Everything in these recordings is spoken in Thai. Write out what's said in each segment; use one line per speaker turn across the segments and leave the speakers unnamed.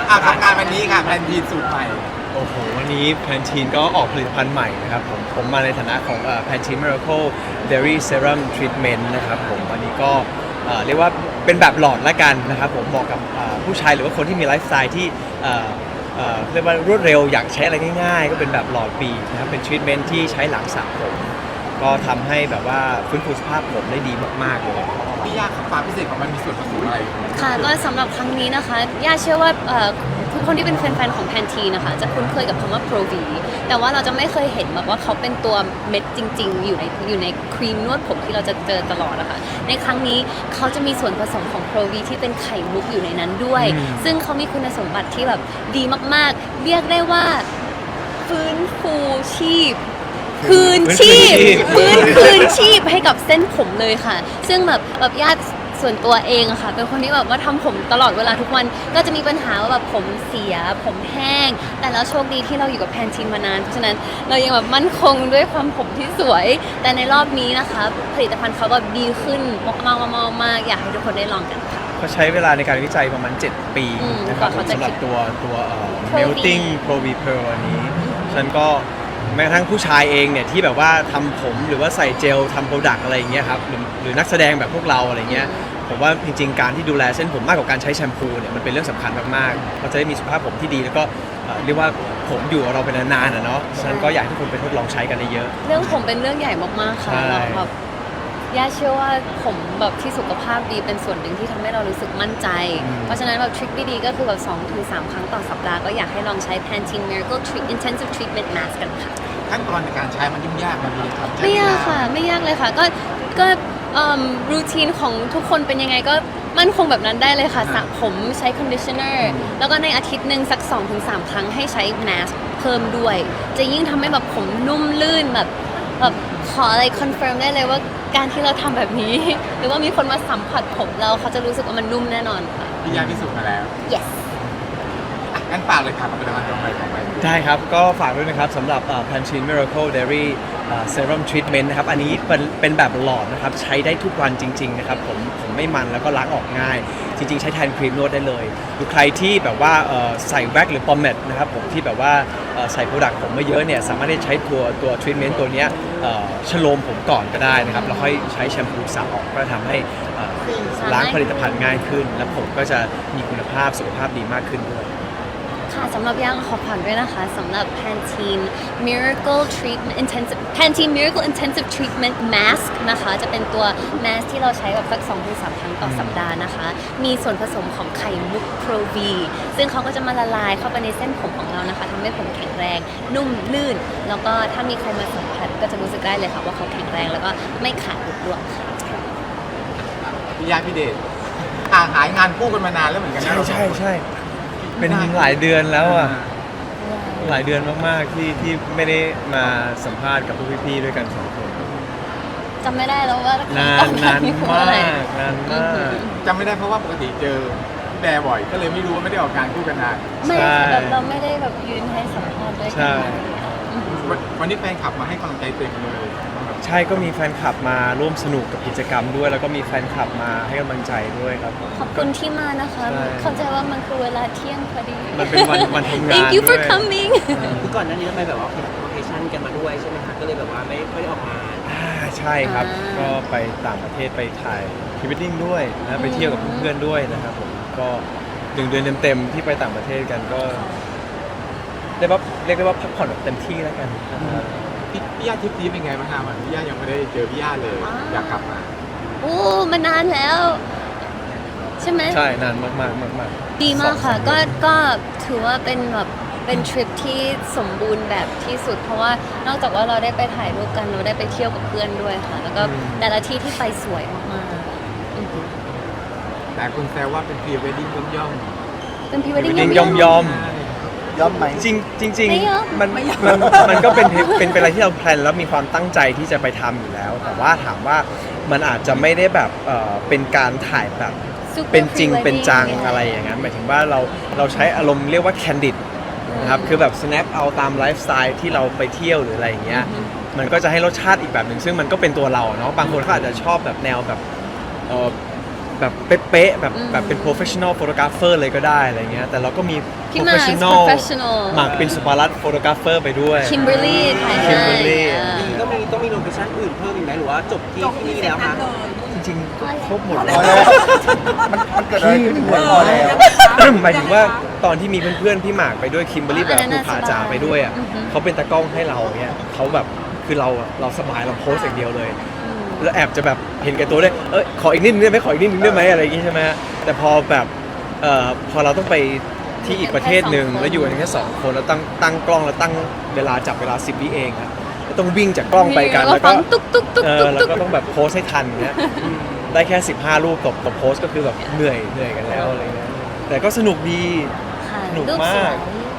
ทำงานวันนี้ค่ะแพนทีนสูตรใหม่
โอ้โหวันนี้แพนทีนก็ออกผลิตภัณฑ์ใหม่นะครับผมมาในฐานะของแพนทีน Miracle Dairy Serum Treatment นะครับผมวันนี้ก็เรียกว่าเป็นแบบหลอดละกันนะครับผมเหมาะกับผู้ชายหรือว่าคนที่มีไลฟ์สไตล์ที่เรียกว่ารวดเร็วอยากใช้อะไรง่ายๆก็เป็นแบบหลอดบีบนะครับเป็นทรีทเมนต์ที่ใช้หลังสระผมก็ทำให้แบบว่าฟื้นฟูสภาพผมได้ดีมากๆเลย
พี่ยากครับความพิเศษของมันมีส่วนผสมอะไร
ค่ะก็สำหรับครั้งนี้นะคะย่าเชื่อว่าทุกคนที่เป็นแฟนๆของแพนทีนะคะจะคุ้นเคยกับคำว่า Pro V แต่ว่าเราจะไม่เคยเห็นแบบว่าเขาเป็นตัวเม็ดจริงๆอยู่ในครีมนวดผมที่เราจะเจอตลอดนะคะในครั้งนี้เขาจะมีส่วนผสมของ Pro V ที่เป็นไข่มุกอยู่ในนั้นด้วยซึ่งเขามีคุณสมบัติที่แบบดีมากๆเรียกได้ว่าฟื้นฟูชีพคืนชีพคืนชีพให้กับเส้นผมเลยค่ะซึ่งแบบญาติส่วนตัวเองอะค่ะเป็นคนที่แบบว่าทำผมตลอดเวลาทุกวันก็จะมีปัญหาว่าแบบผมเสียผมแห้งแต่แล้วโชคดีที่เราอยู่กับแพนทีนมานานเพราะฉะนั้นเรายังแบบมั่นคงด้วยความผมที่สวยแต่ในรอบนี้นะคะผลิตภัณฑ์เขาแบบดีขึ้นมากๆอยากให้ทุกคนได้ลองกันค่ะ
เขาใช้เวลาในการวิจัยประมาณ 7 ปีนะครับสำหรับตัวMelting Pro V Pearl อันนี้ฉันก็แม้กระทั่งผู้ชายเองเนี่ยที่แบบว่าทำผมหรือว่าใส่เจลทำโปรดักต์อะไรอย่างเงี้ยครับหรือนักแสดงแบบพวกเราอะไรเงี้ยผมว่าจริงๆการที่ดูแลเส้นผมมากกว่าการใช้แชมพูเนี่ยมันเป็นเรื่องสำคัญมากๆเราจะได้มีสุขภาพผมที่ดีแล้วก็เรียกว่าผมอยู่กับเราเป็นนานๆเนาะฉะนั้นก็อยากให้ทุกคนไปทดลองใช้กันเยอะ
เรื่องผมเป็นเรื่องใหญ่มากๆค่ะเราแบบย่าเชื่อว่าผมแบบที่สุขภาพดีเป็นส่วนหนึ่งที่ทำให้เรารู้สึกมั่นใจเพราะฉะนั้นแบบทริคดีๆก็คือแบบ2-3 ครั้งต่อสัปดาห์ก็อยากให้ลองใช้ Pantene Miracle Intensive Treatment Mask กันค่ะ
ขั้นตอนในการใช้มันยุ่งยากมันมีความ
ไม่ยากค่ะไม่ยากเลยค่ะก็รูทีนของทุกคนเป็นยังไงก็มั่นคงแบบนั้นได้เลยค่ะสระผมใช้คอนดิชเนอร์แล้วก็ในอาทิตย์หนึ่งสัก 2-3 ครั้งให้ใช้แมสเพิ่มด้วยจะยิ่งทำให้แบบผมนุ่มลื่นแบบขออะไรคอนเฟิร์มได้เลยว่าการที่เราทำแบบนี้ หรือว่ามีคนมาสัมผัสผมเราเขาจะรู้สึกว่ามันนุ่มแน่นอนค่ะ
พี่ยากพิสูจน์มาแล้ว
yes
งั้นฝากเลยค่ะผลิตภัณฑ์ต่อไป
ได้ครับก็ฝากด้วยนะครับสำหรับ Pantene Miracle Dairy Serum Treatment นะครับอันนี้เป็นแบบหลอดนะครับใช้ได้ทุกวันจริงๆนะครับผมไม่มันแล้วก็ล้างออกง่ายจริงๆใช้แทนครีมนวดได้เลยหรือใครที่แบบว่าใส่แว็กหรือปอมเมดนะครับผมที่แบบว่าใส่โปรดักต์ผมไม่เยอะเนี่ยสามารถได้ใช้ตัวทรีทเมนต์ตัวนี้ชโลมผมก่อนก็ได้นะครับแล้วค่อยใช้แชมพูสระออกก็ทำให้ล้างผลิตภัณฑ์ง่ายขึ้นและผมก็จะมีคุณภาพสุขภาพดีมากขึ้นด้วย
ค่ะสำหรับย่างขอผ่านด้วยนะคะสำหรับ Pantene Miracle Intensive Treatment Mask นะคะจะเป็นตัว mask ที่เราใช้แบบสัก 2-3 ครั้งต่อสัปดาห์นะคะมีส่วนผสมของไข่มุก Pro V ซึ่งเขาก็จะมาละลายเข้าไปในเส้นผมของเรานะคะทำให้ผมแข็งแรงนุ่มลื่นแล้วก็ถ้ามีใครมาสัมผัสก็จะรู้สึกได้เลยค่ะว่าเขาแข็งแรงแล้วก็ไม่ขาดหลุดร่วงค่ะ
พี่ยากพี่เดชหายงานคู่กันมานานแล้วเหมือนกันนะ
ใช่เป็นหลายเดือนแล้วอ่ะหลายเดือนมากๆที่ไม่ได้มาสัมภาษณ์กับพวกพี่ๆด้วยกัน2 คน
จำไม่ได้แล้วว่าน
านมาก
จำไม่ได้เพราะว่าปกติเจอแบร์บ่อยก็เลยไม่รู้ว่าไม่ได้ออกงานคู่กันนาน
ไม่แบบเราไม่ได้แบบยืนให้สัมภาษณ์ด้วยกัน
วันนี้แฟนคลับมาให้กำลังใจเต็มเลย
ใช่ก็มีแฟนคลับมาร่วมสนุกกับกิจกรรมด้วยแล้วก็มีแฟนคลับมาให้กำลังใจด้วยครับ
ขอบคุณที่มานะคะเข้าใจว่ามันคือเวลาเที่ยงพอดี
มันเป็นวันทำงาน
Thank you for coming
คือก่อนหน้านี้ไปแบบว่าเป็นโลเคชั่นกันมาด้วยใช่ไหมคะก็เลยแบบว่าไม่ได้ออกมา
ใช่ครับก็ไปต่างประเทศไปถ่ายพรีเวดดิ้งด้วยนะไปเที่ยวกับเพื่อนๆด้วยนะครับผมก็1 เดือนเต็มๆที่ไปต่างประเทศกันก็เรียกได้ว่าพักผ่อนแบบเต็มที่แล้วกัน
พี่ย่าทริปนี้เป็นไงบ้างคะมันพี่ย่ายังไม่ได้เจอพี่ย่าเลยอยากกลับมา
มานานแล้วใช่ไหม
ใช่นานมาก
ดีมากค่ะก็ถือว่าเป็นแบบเป็นทริปที่สมบูรณ์แบบที่สุดเพราะว่านอกจากว่าเราได้ไปถ่ายรูปกันเราได้ไปเที่ยวกับเพื่อนด้วยค่ะแล้วก็แต่ละที่ที่ไปสวยมาก
ๆแต่คุณแซวว่าเป็นพรีเวดดิ้งย่อม
เป็นพรีเวดดิ้ง
ย่อมไหมจริงมันก็เป็นอะไรที่เราแพลนแล้วมีความตั้งใจที่จะไปทำอยู่แล้วแต่ว่าถามว่ามันอาจจะไม่ได้แบบเป็นการถ่ายแบบเป็นจริงเป็นจังอะไรอย่างนั้นหมายถึงว่าเราใช้อารมณ์เรียกว่า candid นะครับคือแบบ snap เอาตามไลฟ์สไตล์ที่เราไปเที่ยวหรืออะไรอย่างเงี้ยมันก็จะให้รสชาติอีกแบบหนึ่งซึ่งมันก็เป็นตัวเราเนาะบางคนเขาอาจจะชอบแบบแนวแบบแบบเป๊ะๆแบบเป็น professional photographer เลยก็ได้อะไรเงี้ยแต่เราก็มี
พี่มาร์ค professional
หมากเป็นสุภารัตน์ photographer ไปด้วย
คิมเบอร์รี่ถ่ายให้
Kimberly
ต้องมีโลเคชั่นอื่นเพิ่มอีกไหมหรือว่าจบที่นี่แล้วคะ
จริงๆครบหมด
พ
เล
อย แล้วมันเกิดอะไรขึ้นพอแล้ว
หมายถึงว่าตอนที่มีเพื่อนๆพี่หมากไปด้วยคิมเบอร์รี่แบบภูผาจ๋าไปด้วยอ่ะเขาเป็นตากล้องให้เราเนี่ยเขาแบบคือเราสบายเราโพสอย่างเดียวเลย แล้วแอบจะแบบเห็นแก่ตัวด้วยขออีกนิดนึงได้ไหมขออีกนิดนึงได้ไหมอะไรอย่างงี้ใช่ไหมฮะแต่พอแบบพอเราต้องไปที่อีกประเทศหนึ่งแล้วอยู่กันแค่2 คนแล้วตั้งกล้องแล้วตั้งเวลาจับเวลา10 วิเองอะแล้วต้องวิ่งจากกล้องไปกันแล้วก็
ตุ๊กตุ๊กตุ๊กตุ๊ก
แล้วก็ต้องแบบโพสให้ทันเงี้ยได้แค่15 รูปต่อโพสก็คือแบบเหนื่อยกันแล้วอะไรเงี้ยแต่ก็สนุกดี
ค่ะ
หนุก
รูป
มาก
สวย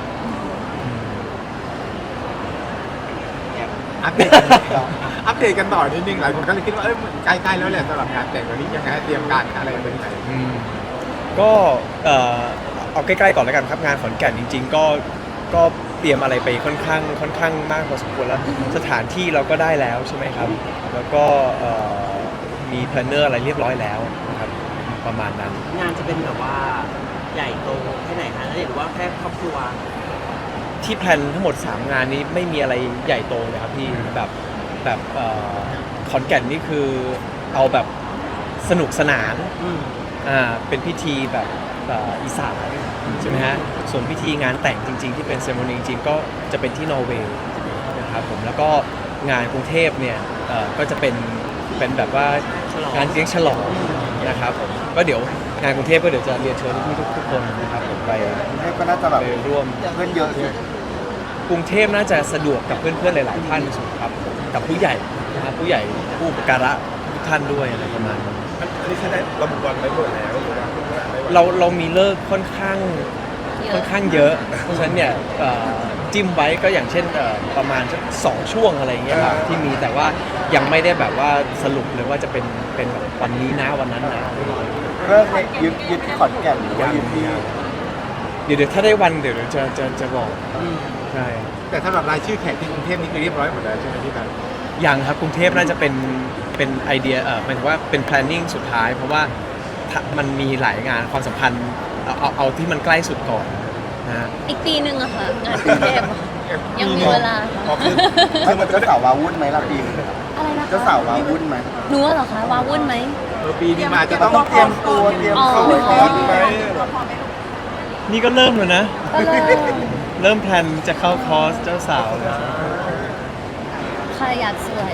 อัปเดตกันต่ออัปเดตกันต่อนิดนึงหลายคนก็เลยคิดว่าใกล้ๆแล้วแหละสำหรับงานแต่งวันนี้ยังไงเตรียมการอะไรเป็นยังไง
ก็เอาใกล้ๆก่อนแล้วกันครับงานขอนแก่นจริงๆก็เตรียมอะไรไปค่อนข้างมากพอสมควรแล้วสถานที่เราก็ได้แล้วใช่ไหมครับแล้วก็มีแพลนเนอร์อะไรเรียบร้อยแล้วนะครับประมาณนั้น
งานจะเป็นแบบว่าใหญ่โตแค่ไหนคะหรือว่าแค่ครอบครัว
ที่แพลนทั้งหมด 3 งานนี้ไม่มีอะไรใหญ่โตเลยครับพี่แบบขอนแก่นนี่คือเอาแบบสนุกสนานเป็นพิธีแบบอีสานใช่ไหมฮะส่วนพิธีงานแต่งจริงๆที่เป็นเซเลโมนีจริงๆก็จะเป็นที่นอร์เวย์นะครับผมแล้วก็งานกรุงเทพเนี่ยก็จะเป็นแบบว่างานเลี้ยงฉลองนะครับผมก็เดี๋ยวงานกรุงเทพก็เดี๋ยวจะเรียนเชิญพี่ทุกคนนะครับผมไป
ก็น่าจะแบบ
ร่วม
เพื่อนเยอะสิ
กรุงเทพน่าจะสะดวกกับเพื่อนๆหลายๆท่านสุดครับกับผู้ใหญ่นะครับผู้ใหญ่ผู้อุปการะทุกท่านด้วยอะไรประมาณนั้น
อันนี้ใช้ได้ระบุวันไว้หมดแล้วหรือว่าไม่วัน
เรามีเลิกค่อนข้างเยอะ เพราะฉะนั้นเนี่ยจิ้มไว้ก็อย่างเช่นประมาณสัก2 ช่วงอะไรอย่างเงี้ยครับที่มีแต่ว่ายังไม่ได้แบบว่าสรุปเลยว่าจะเป็นแบบวันนี้นะวันนั้นนะ
เริ่มเนี่ยยึดที่ขอนแก่นหรือว่ายึดที่
เดี๋ยวถ้าได้วันเดี๋ยวจะบอกใช่
แต่สำหรับรายชื่อแขกที่กรุงเทพนี่คือเรียบร้อยหมดแล้วใช่ไหมพี่กัน
ยังครับกรุงเทพน่าจะเป็นไอเดียหมายถึงว่าเป็น planning สุดท้าย เพราะว่ามันมีหลายงานความสัมพันธ์เอาที่มันใกล้สุดก่อนนะฮะ
อีกปีหนึ่งอะค่ะงานกรุงเทพอะยังมีเวลา
พอขึ้นมันเจ้าสาววาวุ่นไหมล่ะปีนี้
อะไรนะคะ
เจ้าสาววาวุ่นไหม
หนูเหรอคะวาวุ่นไหม
ปีนี้มาจะ
ต้
ต้
อ
อง ง
เตรียมตัวเตรียมเข้าไปคอร์สไหม
นี่ก็เริ่มแล้วนะ
ก็เลย
เริ่มแพลนจะเข้าคอร์สเจ้าสาวแล้ว
ใครอยากสวย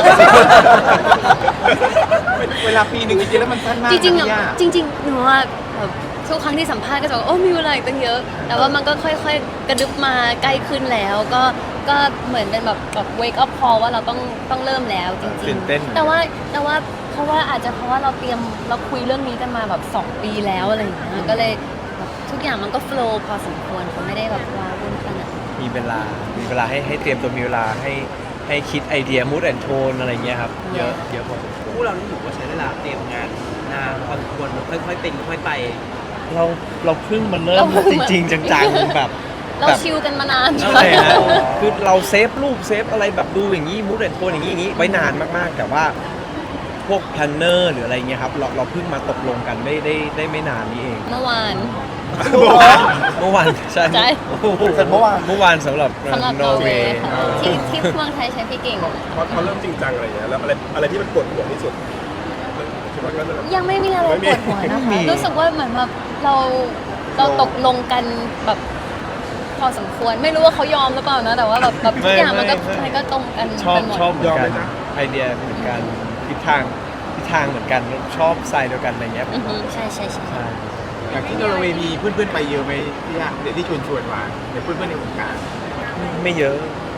เวลาปีหนึ่งจริงๆแล้วมันสั้นมาก
จริงๆ
นะ
อะ
พี่ย่า
จริงๆหนูว่าแบบทุกครั้งที่สัมภาษณ์ก็จะบอกโอ้มีเวลาอีกตั้งเยอะ แต่ว่ามันก็ค่อยๆ กระดึบมาใกล้ขึ้นแล้ว ก็เหมือนเป็นแบบ wake up call ว่าเราต้องเริ่มแล้วจริ
ตื่
ง
นเต้น
ๆแต่ว่าเพราะว่าอาจจะเพราะว่าเราคุยเรื่องนี้กันมาแบบ2 ปีแล้วอะไรอย่างเงี้ยก็เลยแบบทุกอย่างมันก็ flow พอสมควรเขาไม่ได้แบบว้าวุ่นขนาดนั้น
มีเวลาให้เตรียมตัวมีเวลาให้คิดไอเดีย mood and tone อะไรเงี้ยครับเยอะพอสมควร
คู่เรานี่ถือว่าใช้เวลาเตรียมงานนานพอสมควรค่อยๆเป็นค่อยไป
เราเพิ่งมาเริ่มจริงๆจังๆแบบ
เราชิลกันมานาน
ใช่ฮะคือเราเซฟรูปเซฟอะไรแบบดูอย่างนี้มูดแอนโทนอย่างนี้ไว้นานมากๆ แต่ว่าพวกแพลนเนอร์หรืออะไรเงี้ยครับเราเพิ่งมาตกลงกันได้ไม่นานนี้เอง
เมื่อวาน
เมื่อวานใช่
ใช่
เสร็จเมื่อวาน
เมื่อวานสำหรับ
สำหรับ
น
น
อ
อ
ร์
ร์
เว
เวย์
ย์
ค่ะที่เมืองไทยใช้พี่เก่ง
พอเริ่มจริงจังอะไรอย่างเงี้ยแล้วอะไรที่มันปวดหัวที่สุดคิดว่าก็จะ
ยังไม่มีอะไรปวดหัวนะ
ไม่
คะ
มี
รู้สึกว่าเหมือนแบบเราตกลงกันแบบพอสมควรไม่รู้ว่าเขายอมหรือเปล่านะ แต่ว่าแบบทุกอย่างมันก็ตรงกัน
ชอบ
ไปหมด
ชอบเหมือนกันไอเดียเหมือนกันทิศทางเหมือนกันชอบสไตล์เดียวกันอะไรเงี้ย
อือฮึใช่
ใช่
อย่างที่นอร์เวย์มีเพื่อนๆไปเยอะไหมพี่ย่าเดี๋ยวที่ชวนมาเดี๋ยวเพื่อนๆในวงการ
ไม่เยอะ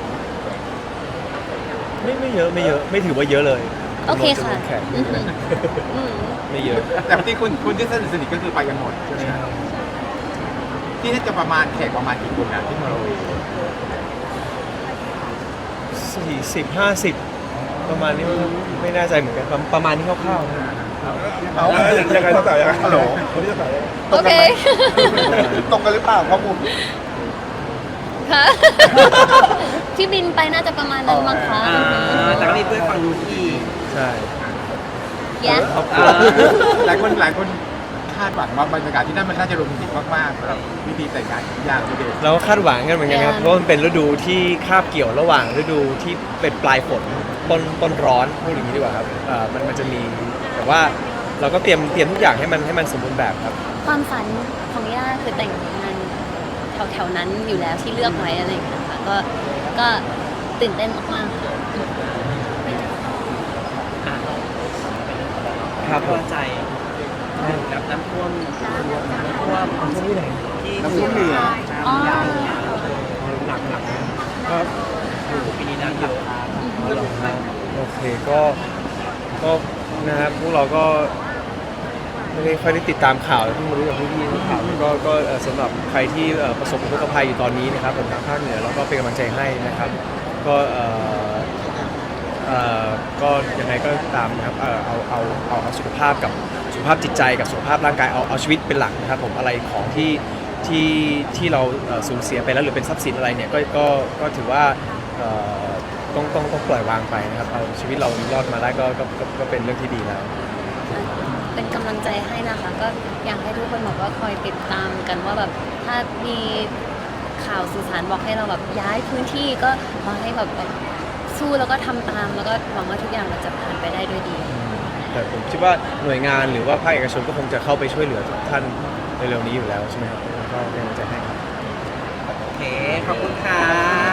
ไม่เยอะไม่ถือว่าเยอะเลย
โอเคค่ะ
จำนวนแขก
อือฮึอืม
ไม่เยอะ
แต่ที่คุณที่สนิทก็คือไปกันหมดใช่ไหมครับที่น่าจะประมาณแขกประมาณกี่คนนะที่นอร์เวย์
40-50 ประมาณนี้ไม่แน่ใจเหมือนกันประมาณนี้คร่าวๆนะ
เอา
ยังไงต้องจ่ายยังไง
ฮัลโหล
คนที่จะจ่ายยังไง
โอเค
ตรงกันหรือเปล่าข้อมูล
ค่ะ ที่บินไปน่าจะประมาณนั้นมั้งคะ
แต่ก็มีเพื่อนฟังดูที่
ใช่
Yeah
หลายคนคาดหวังว่าบรรยากาศที่นั่นมันน่าจะโรแมนติกมากๆสำหรับพิธีแต่งงานของย่าพี่เดช
เราก็คาดหวังกันเหมือนกันครับ เพราะว่ามันเป็นฤดูที่คาบเกี่ยวระหว่างฤดูที่เป็นปลายฝนต้นร้อนพูดอย่างนี้ดีกว่าครับมันจะมีแต่ว่าเราก็เตรียมทุกอย่างให้มันสมบูรณ์แบบครับ
ความฝันของย่าคือแต่งงานแถวๆนั้นอยู่แล้วที่เลือกไว้อะไรอย่างเงี้ยค่ะก็ตื่นเต้นมากๆค่ะ
ครับผม
เข้าใจน้ำท่วมที่ไหนที่
น้ำท่วมเหนือ
อ๋อ
หนัก
ก็
ปีนี้น้ำเยอะ
โอเคก็นะครับพวกเราก็ไม่ได้ค่อยได้ติดตามข่าวเพิ่งมารู้จากพี่ๆข่าวก็สำหรับใครที่ประสบอุทกภัยอยู่ตอนนี้นะครับผมทางภาคเหนือแล้วก็เป็นกำลังใจให้นะครับก็ก็ยังไงก็ตามนะครับเอาสุขภาพกับสุขภาพจิตใจกับสุขภาพร่างกายเอาชีวิตเป็นหลักนะครับผมอะไรของที่เราสูญเสียไปแล้วหรือเป็นทรัพย์สินอะไรเนี่ยก็ถือว่าต้องปล่อยวางไปนะครับเอาชีวิตเรารอดมาได้ก็เป็นเรื่องที่ดีแล้ว
เป็นกำลังใจให้นะคะ ก็อยากให้ทุกคนบอกว่าคอยติดตามกันว่าแบบถ้ามีข่าวสื่อสารบอกให้เราแบบย้ายพื้นที่ก็ขอให้แบบสู้แล้วก็ทำตามแล้วก็หวังว่าทุกอย่างมันจะผ่านไปได้ด้วยดี
แต่ผมคิดว่าหน่วยงานหรือว่าภาคเอกชนก็คงจะเข้าไปช่วยเหลือทุกท่านเร็วๆนี้อยู่แล้วใช่ไหมครับก็เป็นกำลังใจให้ครับ
โอเค ขอบคุณค่ะ